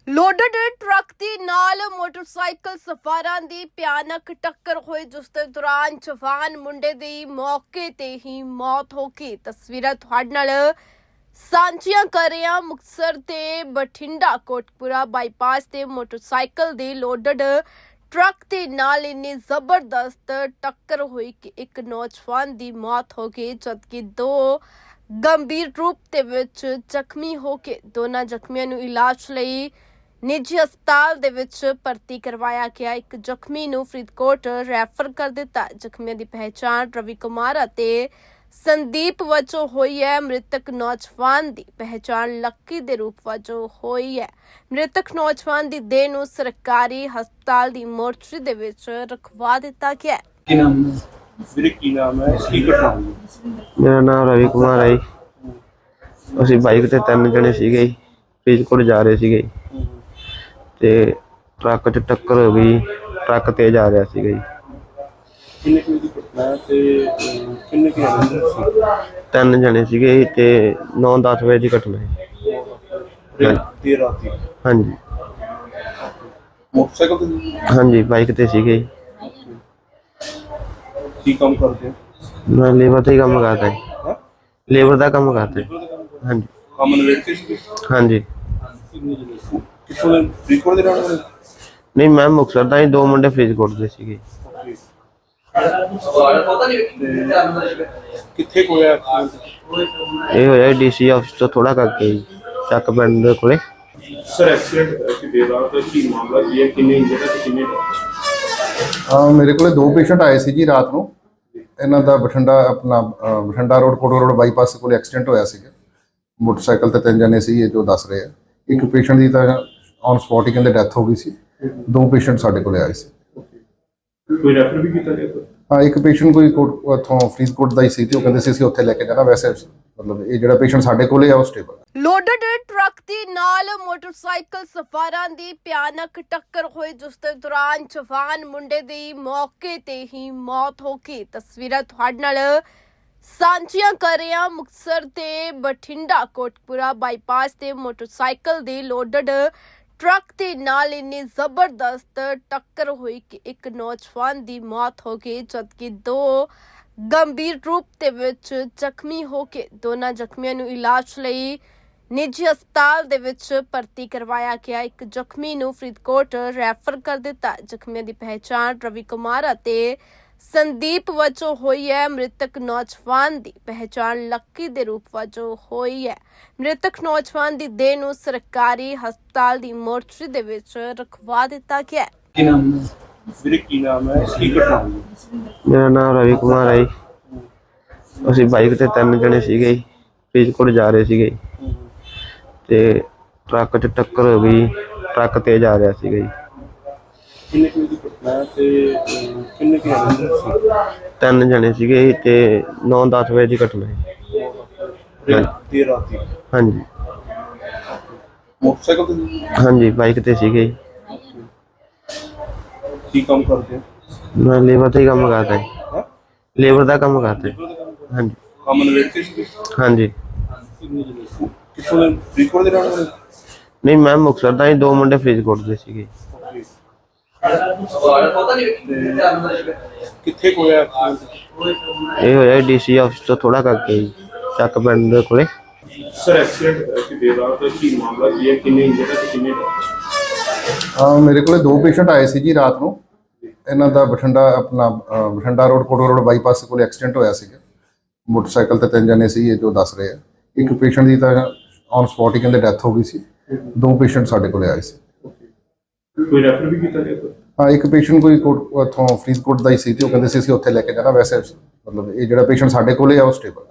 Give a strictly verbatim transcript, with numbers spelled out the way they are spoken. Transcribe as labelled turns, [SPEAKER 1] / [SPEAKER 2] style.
[SPEAKER 1] Loaded truck ਦੇ ਨਾਲ motorcycle ਸਵਾਰਾਂ ਦੀ ਭਿਆਨਕ ਟੱਕਰ ਹੋਈ, ਜਿਸ ਦੇ ਦੌਰਾਨ ਜਵਾਨ ਮੁੰਡੇ ਦੀ ਮੌਕੇ ਤੇ ਹੀ ਮੌਤ ਹੋ ਗਈ। ਤਸਵੀਰਾਂ ਤੁਹਾਡੇ ਨਾਲ ਸਾਂਝੀਆਂ ਕਰ ਰਹੇ ਹਾਂ। ਮੁਕਤਸਰ ਤੇ ਬਠਿੰਡਾ ਕੋਟਪੁਰਾ ਬਾਈਪਾਸ ਤੇ ਮੋਟਰਸਾਈਕਲ ਦੇ ਲੋਡਡ ਟਰੱਕ ਦੇ ਨਾਲ ਇੰਨੀ ਜ਼ਬਰਦਸਤ ਟੱਕਰ ਹੋਈ ਕਿ ਇੱਕ ਨੌਜਵਾਨ ਦੀ ਮੌਤ ਹੋ ਗਈ, ਜਦਕਿ ਦੋ ਗੰਭੀਰ ਰੂਪ ਦੇ ਵਿੱਚ ਜ਼ਖਮੀ ਹੋ ਕੇ ਦੋਨਾਂ ਜ਼ਖਮੀਆਂ ਨੂੰ ਇਲਾਜ ਲਈ ਨਿੱਜੀ ਹਸਪਤਾਲ ਦੇ ਵਿੱਚ ਭਰਤੀ ਕਰਵਾਇਆ ਗਿਆ। ਇੱਕ ਜ਼ਖਮੀ ਨੂੰ ਫਰੀਦਕੋਟ ਰੈਫਰ ਕਰ ਦਿੱਤਾ। ਜ਼ਖਮੀਆਂ ਦੀ ਪਹਿਚਾਣ ਰਵੀ ਕੁਮਾਰ ਅਤੇ ਸੰਦੀਪ ਵਜੋਂ ਹੋਈ ਹੈ। ਮ੍ਰਿਤਕ ਨੌਜਵਾਨ ਦੀ ਪਹਿਚਾਣ ਲੱਕੀ ਦੇ ਰੂਪ ਵਜੋਂ ਹੋਈ ਹੈ। ਮ੍ਰਿਤਕ ਨੌਜਵਾਨ ਦੀ ਦੇਹ ਨੂੰ ਸਰਕਾਰੀ ਹਸਪਤਾਲ ਦੀ ਮੋਰਚਰੀ ਦੇ ਵਿੱਚ ਰਖਵਾ ਦਿੱਤਾ ਗਿਆ।
[SPEAKER 2] ਕੀ ਨਾਮ ਹੈ? ਵੀਰੇ ਕੀ ਨਾਮ ਹੈ? ਕੀ ਘਟਨਾ ਹੋਈ?
[SPEAKER 3] ਮੇਰਾ ਨਾਮ ਰਵੀ ਕੁਮਾਰ ਹੈ ਜੀ। ਅਸੀਂ ਬਾਈਕ ਤੇ ਤਿੰਨ ਜਣੇ ਸੀਗੇ ਜੀ, ਫਰੀਦਕੋਟ ਜਾ ਰਹੇ ਸੀਗੇ ਜੀ, ਤੇ ਟਰੱਕ 'ਚ ਟੱਕਰ ਹੋ ਗਈ। ਟਰੱਕ ਤੇਜ਼ ਆ ਰਿਹਾ ਸੀਗਾ ਜੀ।
[SPEAKER 2] ਕਿੰਨੇ ਕੁ ਦੀ ਘਟਨਾ ਹੈ ਤੇ ਅਹ, ਕਿੰਨੇ ਕੁ ਜਣੇ ਸੀ?
[SPEAKER 3] ਤਿੰਨ ਜਣੇ ਸੀਗੇ ਜੀ ਤੇ ਨੌ ਦਸ ਵਜੇ ਦੀ ਘਟਨਾ ਹੈ।
[SPEAKER 2] ਤੇ ਦੇਰ ਰਾਤੀ
[SPEAKER 3] ਹਾਂਜੀ
[SPEAKER 2] ਮੋਟਰਸਾਈਕਲ ਤੇ
[SPEAKER 3] ਹਾਂਜੀ ਬਾਈਕ ਤੇ ਸੀਗੇ ਜੀ।
[SPEAKER 2] ਕੀ ਕੰਮ ਕਰਦੇ ਹੋ?
[SPEAKER 3] ਮੈਂ ਲੇਬਰ ਦਾ ਹੀ ਕੰਮ ਕਰਦਾ ਜੀ।
[SPEAKER 2] ਹਾਂ,
[SPEAKER 3] ਲੇਬਰ ਦਾ ਕੰਮ ਕਰਦਾ ਜੀ। ਹਾਂਜੀ
[SPEAKER 2] ਕੰਮ ਨਵੇੜ ਕੇ ਸੀ?
[SPEAKER 3] ਹਾਂਜੀ
[SPEAKER 2] ਕਿੱਥੋਂ ਦੇ? ਫਰੀਦਕੋਟ ਦੇ ਰਹਿਣ ਵਾਲੇ?
[SPEAKER 3] ਨਹੀਂ, ਮੈਂ ਮੁਕਤਸਰ ਦਾ ਹੀ, ਦੋ ਮੁੰਡੇ ਫਰੀਦਕੋਟ ਦੇ ਸੀਗੇ।
[SPEAKER 2] ਤੇ ਕਿੱਥੇ ਕੁ ਹੋਇਆ accident?
[SPEAKER 3] ਇਹ ਹੋਇਆ ਡੀਸੀ ਆਫਿਸ ਤੋਂ ਥੋੜਾ ਕਰਕੇ ਜੀ, ਚੱਕ ਪਿੰਡ ਦੇ ਕੋਲੇ।
[SPEAKER 2] ਸਰ ਐਕਸੀਡੈਂਟ ਕਿ ਦੇਰ ਰਾਤ ਕੀ ਮਾਮਲਾ ਕੀ ਹੈ? ਕਿੰਨੇ ਇੰਜਰਡ ਹੈ ਤੇ ਕਿੰਨੇ?
[SPEAKER 4] ਅਹ ਮੇਰੇ ਕੋਲੇ ਦੋ ਪੇਸ਼ੈਂਟ ਆਏ ਸੀ ਜੀ ਰਾਤ ਨੂੰ। ਇਹਨਾਂ ਦਾ ਬਠਿੰਡਾ ਆਪਣਾ ਅਹ ਬਠਿੰਡਾ ਰੋਡ ਕੋਟੋ ਰੋਡ ਬਾਈਪਾਸ ਕੋਲ ਐਕਸੀਡੈਂਟ ਹੋਇਆ ਸੀਗਾ। ਮੋਟਰਸਾਈਕਲ ਤੇ ਤਿੰਨ ਜਣੇ ਸੀ, ਇਹ ਜੋ ਦੱਸ ਰਹੇ ਆ। ਇੱਕ ਪੇਸ਼ੈਂਟ ਦੀ ਤਾਂ ਔਨ ਸਪੌਟ ਹੀ ਕਹਿੰਦੇ ਡੈਥ ਹੋ ਗਈ ਸੀ। ਦੋ ਪੇਸ਼ੈਂਟ ਸਾਡੇ ਕੋਲੇ ਆਏ ਸੀ।
[SPEAKER 2] ਕੋਈ ਰੈਫਰ ਵੀ ਕੀਤਾ ਗਿਆ?
[SPEAKER 4] ਹਾਂ, ਇੱਕ ਪੇਸ਼ੈਂਟ ਕੋਈ ਕੋਟ ਉੱਥੋਂ ਫਰੀਦਕੋਟ ਦਾ ਹੀ ਸੀ ਤੇ ਉਹ ਕਹਿੰਦੇ ਸੀ ਅਸੀਂ ਉੱਥੇ ਲੈ ਕੇ ਜਾਣਾ। ਵੈਸੇ ਮਤਲਬ ਇਹ ਜਿਹੜਾ ਪੇਸ਼ੈਂਟ ਸਾਡੇ ਕੋਲੇ ਆ ਉਹ ਸਟੇਬਲ।
[SPEAKER 1] ਲੋਡਡ ਟਰੱਕ ਦੇ ਨਾਲ ਮੋਟਰਸਾਈਕਲ ਸਵਾਰਾਂ ਦੀ ਭਿਆਨਕ ਟੱਕਰ ਹੋਈ, ਜਿਸ ਦੇ ਦੌਰਾਨ ਜਵਾਨ ਮੁੰਡੇ ਦੀ ਮੌਕੇ ਤੇ ਹੀ ਮੌਤ ਹੋ ਗਈ। ਤਸਵੀਰਾਂ ਤੁਹਾਡੇ ਨਾਲ ਸਾਂਝੀਆਂ ਕਰ ਰਹੇ ਹਾਂ। ਮੁਕਤਸਰ ਤੇ ਬਠਿੰਡਾ ਕੋਟਪੁਰਾ ਬਾਈਪਾਸ ਤੇ ਮੋਟਰਸਾਈਕਲ ਦੇ ਲੋਡਡ ਟਰੱਕ ਦੇ ਨਾਲ ਇੰਨੀ ਜ਼ਬਰਦਸਤ ਟੱਕਰ ਹੋਈ ਕਿ ਇੱਕ ਨੌਜਵਾਨ ਦੀ ਮੌਤ ਹੋ ਗਈ, ਜਦਕਿ ਦੋ ਗੰਭੀਰ ਰੂਪ ਦੇ ਵਿੱਚ ਜ਼ਖਮੀ ਹੋ ਕੇ ਦੋਨਾਂ ਜ਼ਖਮੀਆਂ ਨੂੰ ਇਲਾਜ ਲਈ ਨਿੱਜੀ ਹਸਪਤਾਲ ਦੇ ਵਿੱਚ ਭਰਤੀ ਕਰਵਾਇਆ ਗਿਆ। ਇੱਕ ਜ਼ਖਮੀ ਨੂੰ ਫਰੀਦਕੋਟ ਰੈਫਰ ਕਰ ਦਿੱਤਾ। ਜ਼ਖਮੀਆਂ ਦੀ ਪਹਿਚਾਣ ਰਵੀ ਕੁਮਾਰ ਅਤੇ ਸੰਦੀਪ ਵਜੋਂ ਹੋਈ ਹੈ। ਮ੍ਰਿਤਕ ਨੌਜਵਾਨ ਦੀ ਪਹਿਚਾਣ ਲੱਕੀ ਦੇ ਰੂਪ ਵਜੋਂ ਹੋਈ ਹੈ। ਮ੍ਰਿਤਕ ਨੌਜਵਾਨ ਦੀ ਦੇਹ ਨੂੰ ਸਰਕਾਰੀ ਹਸਪਤਾਲ ਦੀ ਮੋਰਚਰੀ ਦੇ ਵਿੱਚ ਰਖਵਾ ਦਿੱਤਾ ਗਿਆ।
[SPEAKER 2] ਕੀ ਨਾਮ ਹੈ? ਵੀਰੇ ਕੀ ਨਾਮ ਹੈ? ਕੀ ਘਟਨਾ ਹੋਈ?
[SPEAKER 3] ਮੇਰਾ ਨਾਮ ਰਵੀ ਕੁਮਾਰ ਹੈ ਜੀ। ਅਸੀਂ ਬਾਈਕ ਤੇ ਤਿੰਨ ਜਣੇ ਸੀਗੇ ਜੀ, ਫਰੀਦਕੋਟ ਜਾ ਰਹੇ ਸੀਗੇ ਜੀ, ਤੇ ਟਰੱਕ 'ਚ ਟੱਕਰ ਹੋ ਗਈ। ਟਰੱਕ ਤੇਜ਼ ਆ ਰਿਹਾ ਸੀਗਾ ਜੀ।
[SPEAKER 2] ਕਿੰਨੇ ਕੁ ਦੀ ਘਟਨਾ ਹੈ ਤੇ ਅਹ, ਕਿੰਨੇ ਕੁ ਜਣੇ ਸੀ?
[SPEAKER 3] ਤਿੰਨ ਜਣੇ ਸੀਗੇ ਜੀ ਤੇ ਨੌ ਦਸ ਵਜੇ ਦੀ ਘਟਨਾ ਹੈ।
[SPEAKER 2] ਤੇ ਦੇਰ ਰਾਤੀ
[SPEAKER 3] ਹਾਂਜੀ
[SPEAKER 2] ਮੋਟਰਸਾਈਕਲ ਤੇ
[SPEAKER 3] ਹਾਂਜੀ ਬਾਈਕ ਤੇ ਸੀਗੇ ਜੀ।
[SPEAKER 2] ਕੀ ਕੰਮ ਕਰਦੇ ਹੋ?
[SPEAKER 3] ਮੈਂ ਲੇਬਰ ਦਾ ਹੀ ਕੰਮ ਕਰਦਾ ਜੀ।
[SPEAKER 2] ਹਾਂ,
[SPEAKER 3] ਲੇਬਰ ਦਾ ਕੰਮ ਕਰਦਾ ਜੀ। ਹਾਂਜੀ
[SPEAKER 2] ਕੰਮ ਨਵੇੜ ਕੇ ਸੀ?
[SPEAKER 3] ਹਾਂਜੀ
[SPEAKER 2] ਕਿੱਥੋਂ ਦੇ? ਫਰੀਦਕੋਟ ਦੇ ਰਹਿਣ ਵਾਲੇ?
[SPEAKER 3] ਨਹੀਂ, ਮੈਂ ਮੁਕਤਸਰ ਦਾ ਹੀ, ਦੋ ਮੁੰਡੇ ਫਰੀਦਕੋਟ ਦੇ ਸੀਗੇ।
[SPEAKER 2] ਤੇ ਕਿੱਥੇ ਕੁ ਹੋਇਆ accident?
[SPEAKER 3] ਇਹ ਹੋਇਆ ਡੀਸੀ ਆਫਿਸ ਤੋਂ ਥੋੜਾ ਕਰਕੇ ਜੀ, ਚੱਕ ਪਿੰਡ ਦੇ ਕੋਲੇ।
[SPEAKER 2] ਸਰ ਐਕਸੀਡੈਂਟ ਕਿ ਦੇਰ ਰਾਤ ਕੀ ਮਾਮਲਾ ਕੀ ਹੈ? ਕਿੰਨੇ ਇੰਜਰਡ ਹੈ ਤੇ ਕਿੰਨੇ?
[SPEAKER 4] ਅਹ ਮੇਰੇ ਕੋਲੇ ਦੋ ਪੇਸ਼ੈਂਟ ਆਏ ਸੀ ਜੀ ਰਾਤ ਨੂੰ। ਇਹਨਾਂ ਦਾ ਬਠਿੰਡਾ ਆਪਣਾ ਅਹ ਬਠਿੰਡਾ ਰੋਡ ਕੋਟੋ ਰੋਡ ਬਾਈਪਾਸ ਕੋਲ ਐਕਸੀਡੈਂਟ ਹੋਇਆ ਸੀਗਾ। ਮੋਟਰਸਾਈਕਲ ਤੇ ਤਿੰਨ ਜਣੇ ਸੀ, ਇਹ ਜੋ ਦੱਸ ਰਹੇ ਆ। ਇੱਕ ਪੇਸ਼ੈਂਟ ਦੀ ਤਾਂ ਔਨ ਸਪੌਟ ਹੀ ਕਹਿੰਦੇ ਡੈਥ ਹੋ ਗਈ ਸੀ। ਦੋ ਪੇਸ਼ੈਂਟ ਸਾਡੇ ਕੋਲੇ ਆਏ ਸੀ।
[SPEAKER 2] ਕੋਈ ਰੈਫਰ ਵੀ ਕੀਤਾ ਗਿਆ?
[SPEAKER 4] ਹਾਂ, ਇੱਕ ਪੇਸ਼ੈਂਟ ਕੋਈ ਕੋਟ ਉੱਥੋਂ ਫਰੀਦਕੋਟ ਦਾ ਹੀ ਸੀ ਤੇ ਉਹ ਕਹਿੰਦੇ ਸੀ ਅਸੀਂ ਉੱਥੇ ਲੈ ਕੇ ਜਾਣਾ। ਵੈਸੇ ਮਤਲਬ ਇਹ ਜਿਹੜਾ ਪੇਸ਼ੈਂਟ ਸਾਡੇ ਕੋਲੇ ਆ ਉਹ ਸਟੇਬਲ।